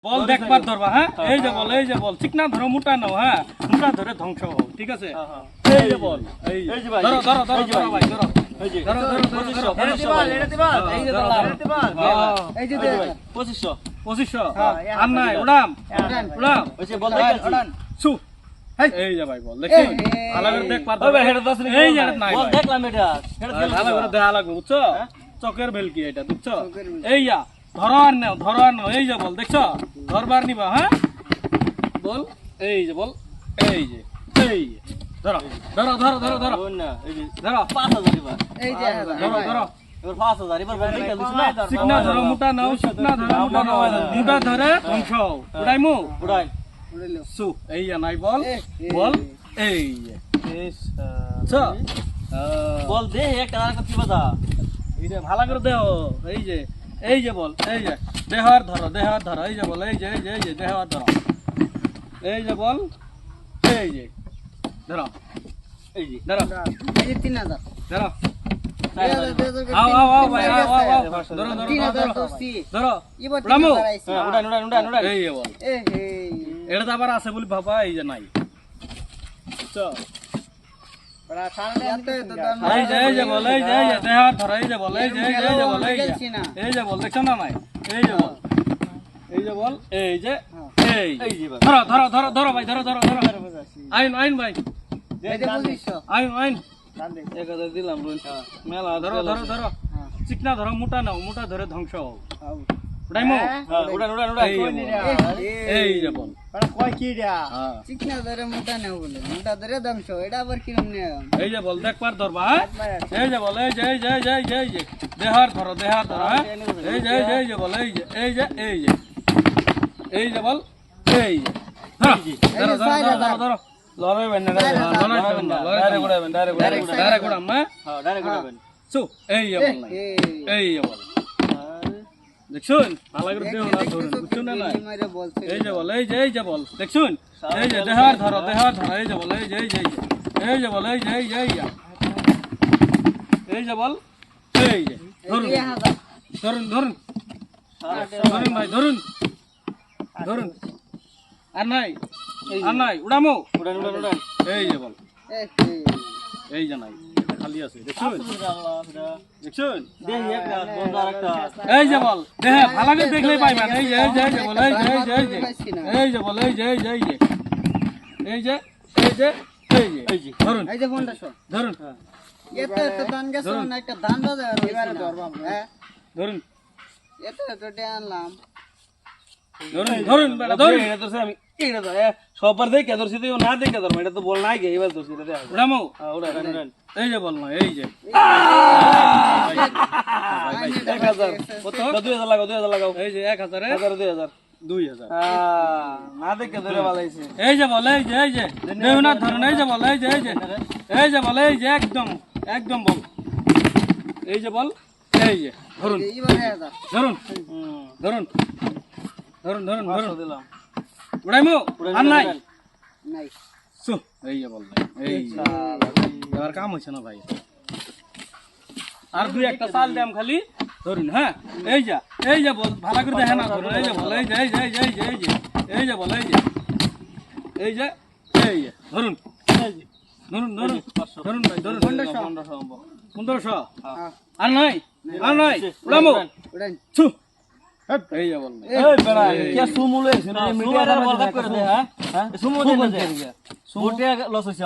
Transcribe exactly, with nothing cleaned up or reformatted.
বল দেখবার ধরবা হ্যাঁ এই যে বল এই যে বল চিকনা ধরো মোটা নাও হ্যাঁ মোটা ধরে ধ্বংস হও ঠিক আছে এই যে বল এই যে ভাই ধরো ধরো ধরো ধরো ভাই ধরো এই যে ধরো ধরো ধরো এড়াতে বল এড়াতে বল এই যে ধরলাম এড়াতে বল এই যে পঁচিশশো পঁচিশশো আর নাই উড়াম উড়াম ওই যে বল দেখ উড়ান সু এই যে ভাই বল দেখি ভালো করে দেখ পার ওই হেড দশ এই যে নাই বল দেখলাম এটা ভালো করে দেখা লাগবে বুঝছো চকের বেলকি এটা বুঝছো এই যা ধরো আর নাও ধরো আর নাও এই যে বল দেখছো ধরবার নিবা হ্যাঁ বল এই যে বল এই যে এই যে ধরো ধরো ধরো ধরো ধরো না এই যে ধরো পাঁচ হাজার এবার এই যে ধরো ধরো এবার পাঁচ হাজার এবার বল দেখে দিছ না চিকনা ধরো মোটা নাও চিকনা ধরো মোটা নাও মোটা ধরে ধ্বংস উড়াইমু উড়াই উড়াইলো সু এই যে নাই বল বল এই যে চ বল দে একটা আর কত বাজা এই যে ভালো করে দেও এই যে এই যে বল এই যে দেহার ধরো দেহার ধরো এই যে বল এই যে এই যে এই যে দেহার ধরো এই যে বল এই যে ধরো এই যে ধরো এই যে তিন হাজার ধরো আও আও আও ভাই আও আও আও ধরো ধরো তিন হাজার ধরো দোস্তি ধরো এবার রামু উড়ান উড়ান উড়ান উড়ান এই যে বল এ হে এটা তো আবার আছে বলি বাবা এই যে নাই চ বড় সারা এত তো দাম এই যে এই যে বল এই যে এই যে দেহার ধরো এই যে বল এই যে এই যে এই যে বল এই যে এই যে বল দেখছ না নাই এই যে বল এই যে বল এই যে এই এই যে ধরো ধরো ধরো ধরো ভাই ধরো ধরো ধরো আইন আইন ভাই এই যে পঁচিশশো আইন আইন দাম দে এক হাজার দিলাম রুন মেলা ধরো ধরো ধরো চিকনা ধরো মোটা নাও মোটা ধরে ধ্বংস হও উড়াইমো উড়ান উড়ান উড়ান এই যে বল বড় কয় কি রা হ্যাঁ চিকনা ধরে মোটা নাও বলে মোটা ধরে দাম শো এটা আবার কিরম নিয়ে এই যে বল দেখবার ধরবা এই যে বল এই যে এই যে এই যে এই যে এই যে দেহার ধরো দেহার ধরো হ্যাঁ এই যে এই যে এই যে বল এই যে এই যে এই যে এই যে বল এই যে ধরো ধরো ধরো ধরো ধরো লড়াই বেন না লড়াই না ডাইরেক্ট উড়াবেন ডাইরেক্ট উড়াবেন ডাইরেক্ট উড়াম না হ্যাঁ ডাইরেক্ট উড়াবেন সু এই যে বল নাই এই যে বল দেখছুন ভালো করে দেও না ধরুন বুঝছুন না নাই মাইরে বলছে এই যে বল এই যে এই যে বল দেখছুন এই যে দেহার ধরো দেহার ধরো এই যে বল এই যে এই যে এই যে এই যে বল এই যে এই যে এই যে এই যে বল এই যে ধরুন এই হাজার ধরুন ধরুন ধরুন ভাই ধরুন ধরুন আর নাই আর নাই উড়ামো উড়ান উড়ান উড়ান এই যে বল এ হে এই যে নাই খালি আছে দেখছুন দেখছুন দেই একটা বন্ধ আরেকটা এই যে বল দেহে ভালো করে দেখলেই পাইবেন এই যে এই যে এই যে বল এই যে এই যে এই যে এই যে বল এই যে এই যে এই যে এই যে এই যে এই যে এই যে ধরুন এই যে পনেরোশো ধরুন এত এত দান গেছে না একটা দান দাদা এবারে ধরবা হ্যাঁ ধরুন এত এত ডে আনলাম ধরুন ধরুন বেটা ধরুন এটা তো আমি এটা তো সবার দেখে ধরছি তো না দেখে ধরম এটা তো বল নাই গে এবার ধরছি এটা দেখ উড়ামো উড়ান উড়ান এই যে বল না এই যে এক হাজার কত দুই হাজার লাগাও দুই হাজার লাগাও এই যে এক হাজারে হাজার দুই হাজার দুই হাজার না দেখে ধরে ভালাইছে এই যে বল এই যে এই যে দেহনাথ ধরুন এই যে বল এই যে এই যে এই যে বল এই যে একদম একদম বল এই যে বল এই যে ধরুন এবারে হাজার ধরুন হুম ধরুন ধরুন ধরুন ধরুন দিলাম উড়াইমো আর নাই নাই সু এই যে বল এই যে এবার কাম হইছে না ভাই আর দুই একটা চাল দাম খালি ধরুন হ্যাঁ এই যা এই যে বল ভালো করে দেখে না ধরুন এই যে বল এই যে এই যে এই যে এই যে এই যে এই যে বল এই যে এই যে এই যে ধরুন ধরুন ধরুন ধরুন ভাই ধরুন পনেরোশো পনেরোশো আর নাই আর নাই উড়ামো উড়ান ছু এই যে বল এই বেড়া কে সুমুলে মিডিয়া বল করে দে হ্যাঁ হ্যাঁ সুমু দে সুমু লস হইছে